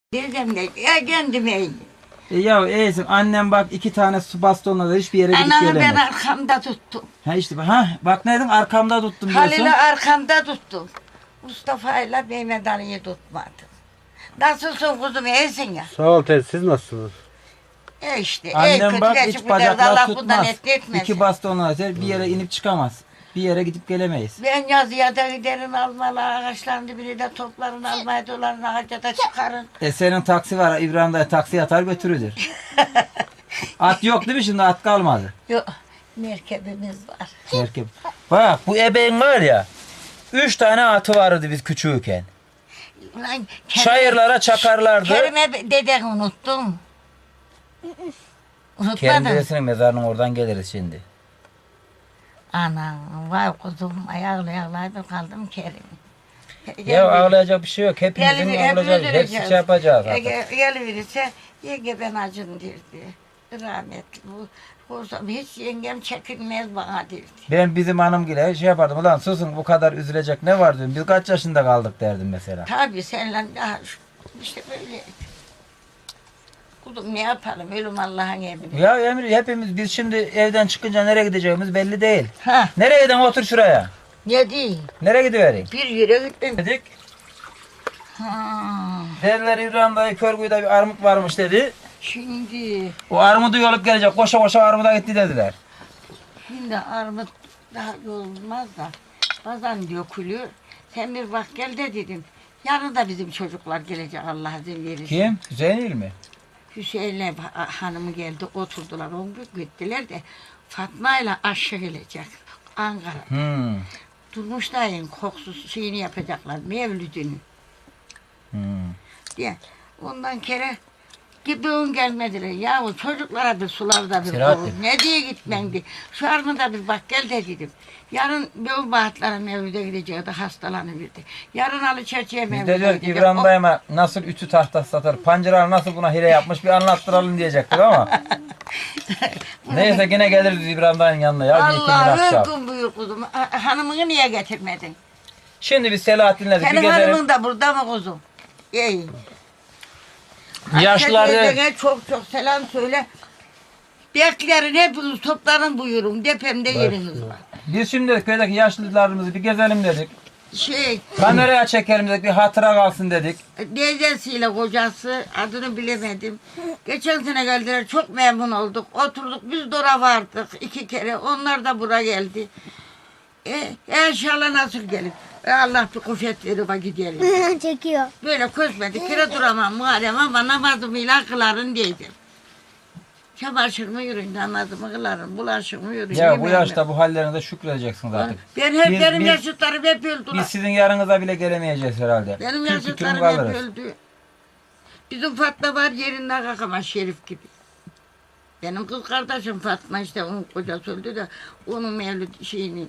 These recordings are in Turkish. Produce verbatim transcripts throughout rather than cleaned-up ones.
Diyeceğim de ya kendime iyi. E ya Eğitim annem bak iki tane su bastonla da hiçbir yere gidip Anamı ben gelemez. arkamda tuttum. Ha işte ha bak ne dedin arkamda tuttum diyorsun. Halil'i arkamda tuttum. Mustafa ile Mehmet Ali'yi tutmadım. Nasılsın kuzum, iyisin ya? Sağ ol teyze, siz nasılsınız? E işte. Annem ey, bak kötü hiç geçip giderdi, bacaklar Allah bundan tutmaz. etli etmesin. İki bastonla atar bir yere inip çıkamaz. Bir yere gidip gelemeyiz. Ben yazıya da giderim almalı, ağaçların dibini de topların, almaya doların, ağaca da çıkarın. E senin taksi var İbrahim dayı taksi atar götürüdür. At yok değil mi şimdi at kalmadı. Yok, merkebimiz var. Merkep. Bak bu ebeğin var ya. Üç tane atı vardı biz küçüğüken. Ulan, Çayırlara çakarlardı. Kerime deden unuttum. Kerim Unutmadın. dedesinin mezarının oradan geliriz şimdi. Anam, vay kuzum, ayaklı ayaklı kaldım Kerim. Ya ağlayacak bir şey yok. Hepimizin Gel- olacak. hepimiz Hepsi öleceğiz. şey yapacağız Ya artık. gel- Geliverirse yenge ben acım derdi. Rahmetli bu. Olsam hiç yengem çekilmez bana derdi. Ben bizim hanımgile şey yapardım. Ulan susun bu kadar üzülecek ne var diyorum. Biz kaç yaşında kaldık derdim mesela. Tabii seninle daha şu- işte böyle. Kuzum ne yapalım, ölüm Allah'ın emri. Ya Emir hepimiz biz şimdi evden çıkınca nereye gideceğimiz belli değil. Ha, Nereye giden otur şuraya. ne diyeyim? Nereye gidiverin? Bir yere gittim. Dedik. Ha, Dediler İbrahim dayı Körgü'de bir armut varmış dedi. şimdi, O armudu yolup gelecek. Koşa koşa armuda gitti dediler. şimdi armut daha olmaz da bazen dökülüyor. Sen bir bak gel de dedim. Yarın da bizim çocuklar gelecek Allah izin verirse. Kim? Hüseyin mi? Hüseyin'le hanımı geldi oturdular on gün gittiler de Fatma ile aşağı gelecek Ankara. Hmm. Durmuş dayın koksuz şeyini yapacaklar mevlüdünü Hmm. diye. Ondan kere gidiğin gelmediler. Yahu çocuklara bir sularda bir Selahattin. koru. Ne diye gitmendi. Şu armada bir bak gel de dedim. Yarın Bev Bahatlara mevlüde gideceği de hastalanıverdi. Yarın Ali Çerçe'ye Biz de mevlüde diyor ki gidecek. İbrahim O- dayıma nasıl ütü tahtası satar, pancar nasıl buna hile yapmış bir anlattıralım diyecektik ama. Neyse yine geliriz İbrahim dayının yanına ya. bir iki gün akşam. Allah'ım buyur kuzum. Ha- Hanımını niye getirmedin? Şimdi biz Selahattin'le bir Senin gezelim. hanımın da burada mı kuzum? İyi. Yaşlıları Herkese çok çok selam söyle. Beklerin hepiniz toplanın buyurun. Depemde yeriniz var. biz şimdi köydeki yaşlılarımızı bir gezelim dedik. Şey, Kameraya çekelim dedik bir hatıra kalsın dedik. teyzesiyle kocası adını bilemedim. Geçen sene geldiler çok memnun olduk. Oturduk biz de oraya vardık iki kere. Onlar da buraya geldi. E, inşallah nasıl gelir. E, Allah bir kuvvet verir bak gidelim. Çekiyor. Böyle közmedik kire duramam Muharrem ama namazımı kılarım diyeceğim. Çamaşırımı yürüyün, namazımı kılarım, bulaşığımı yürüyün. Ya bu yemeğimi- yaşta bu hallerinize şükredeceksiniz artık. Ben hep Biz- benim biz- yaşıtlarım hep öldüler. Biz sizin yanınıza bile gelemeyeceğiz herhalde. Benim Tüm tükürüm yaşıtlarım hep kalırız. öldü. Bizim Fatma var yerinden kalkamaz Şerif gibi. Benim kız kardeşim Fatma işte onun kocası öldü de onun mevlüt şeyini.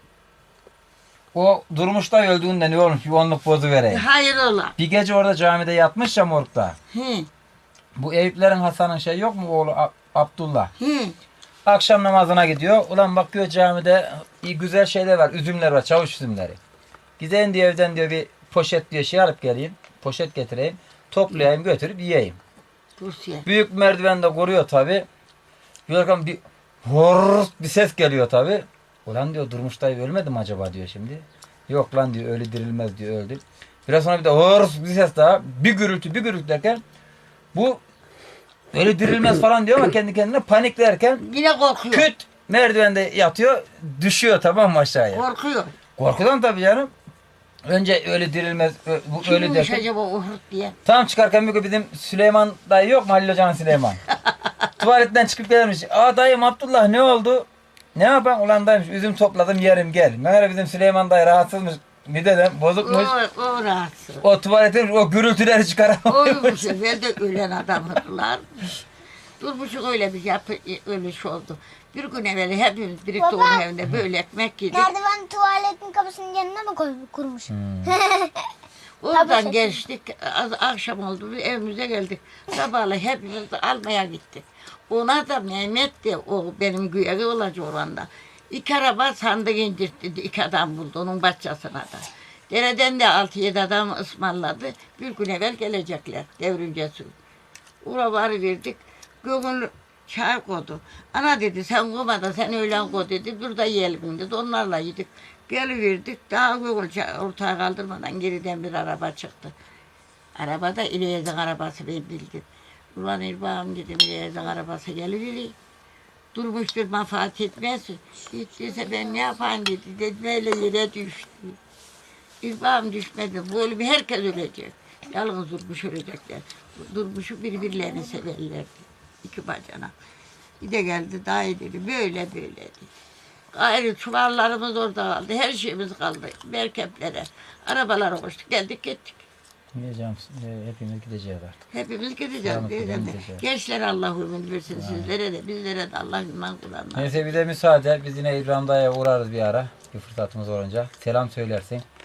O Durmuş'ta öldüğünde ne olmuş bir onluk bozu vereyim. Hayır ola. Bir gece orada camide yatmış ya morgda. He, Bu Eyüplerin Hasan'ın şey yok mu oğlu A- Abdullah? he. Akşam namazına gidiyor. Ulan bakıyor camide iyi güzel şeyler var. Üzümler var. Çavuş üzümleri. Gideyim diyor evden diyor bir poşet diyor şey alıp geleyim. Poşet getireyim. Toplayayım götürüp yiyeyim. Rusya. Büyük merdivende koruyor tabi. Yorgan bir hor bir ses geliyor tabi. Ulan diyor Durmuş dayı ölmedi mi acaba diyor şimdi. Yok lan diyor öyle dirilmez diyor öldü. Biraz sonra bir de hor bir ses daha. Bir gürültü bir gürültü derken bu öyle dirilmez falan diyor ama kendi kendine paniklerken Yine korkuyor. küt merdivende yatıyor düşüyor tamam mı aşağıya. Korkuyor. Korkudan tabii canım. Önce öyle dirilmez ö- bu öyle Kimmiş derken. acaba o hırt diye. Tam çıkarken bir gün bizim Süleyman dayı yok mu Halil Hoca'nın Süleyman? Tuvaletten çıkıp gelmiş. Aa dayım Abdullah ne oldu? Ne yapayım ulan dayımış üzüm topladım yerim gel. Meğer bizim Süleyman dayı rahatsızmış. Mideden bozukmuş. O, o rahatsız. O tuvaletin o gürültüleri çıkaramıyor. O bu sefer de ölen adamlar. Durmuşuk öyle bir yapı, öyle şey oldu. Bir gün evvel hepimiz birlikte Baba. onun evinde böyle ekmek yedik. Merdiven tuvaletin kapısının yanına mı koy, kurmuş? Oradan Tabii. geçtik, az, akşam oldu, biz evimize geldik. Sabahleyin hepimiz de almaya gittik. Ona da Mehmet de o benim güyeri olacak oranda. İki araba sandık indirtti, iki adam buldu onun bahçesine da. Dereden de altı yedi adam ısmarladı. Bir gün evvel gelecekler devrimce su. Ura varı verdik. Göğün çay koydu. Ana dedi sen koyma da sen öğlen koy dedi. Dur da yiyelim dedi. Onlarla yedik. Geliverdik. Daha göğün çay ortağa kaldırmadan geriden bir araba çıktı. Arabada İleyaz'ın arabası ben bildim. Ulan İrbağım dedim İleyaz'ın arabası geliveri. Durmuştur menfaat etmez. Gittiyse ben ne yapayım dedi. Dedim öyle yere düştü. İrbağım düşmedi. Bu ölümü herkes ölecek. Yalnız Durmuş ölecekler. Durmuşu birbirlerini severlerdi. İki bacana. Bir de geldi daha dedi. Böyle böyleydi. Gayrı çuvallarımız orada kaldı. Her şeyimiz kaldı. Merkeplere. Arabalara koştuk. Geldik gittik. Gideceğim, e, hepimiz gideceğiz artık. Hepimiz gideceğiz. Tamam, Beyefendi. gideceğiz. Gençler Allah ömür versin sizlere de bizlere de Allah iman Kur'an'la. Neyse bir de müsaade. Biz yine İbrahim Dayı'ya uğrarız bir ara. Bir fırsatımız olunca. Selam söylersin.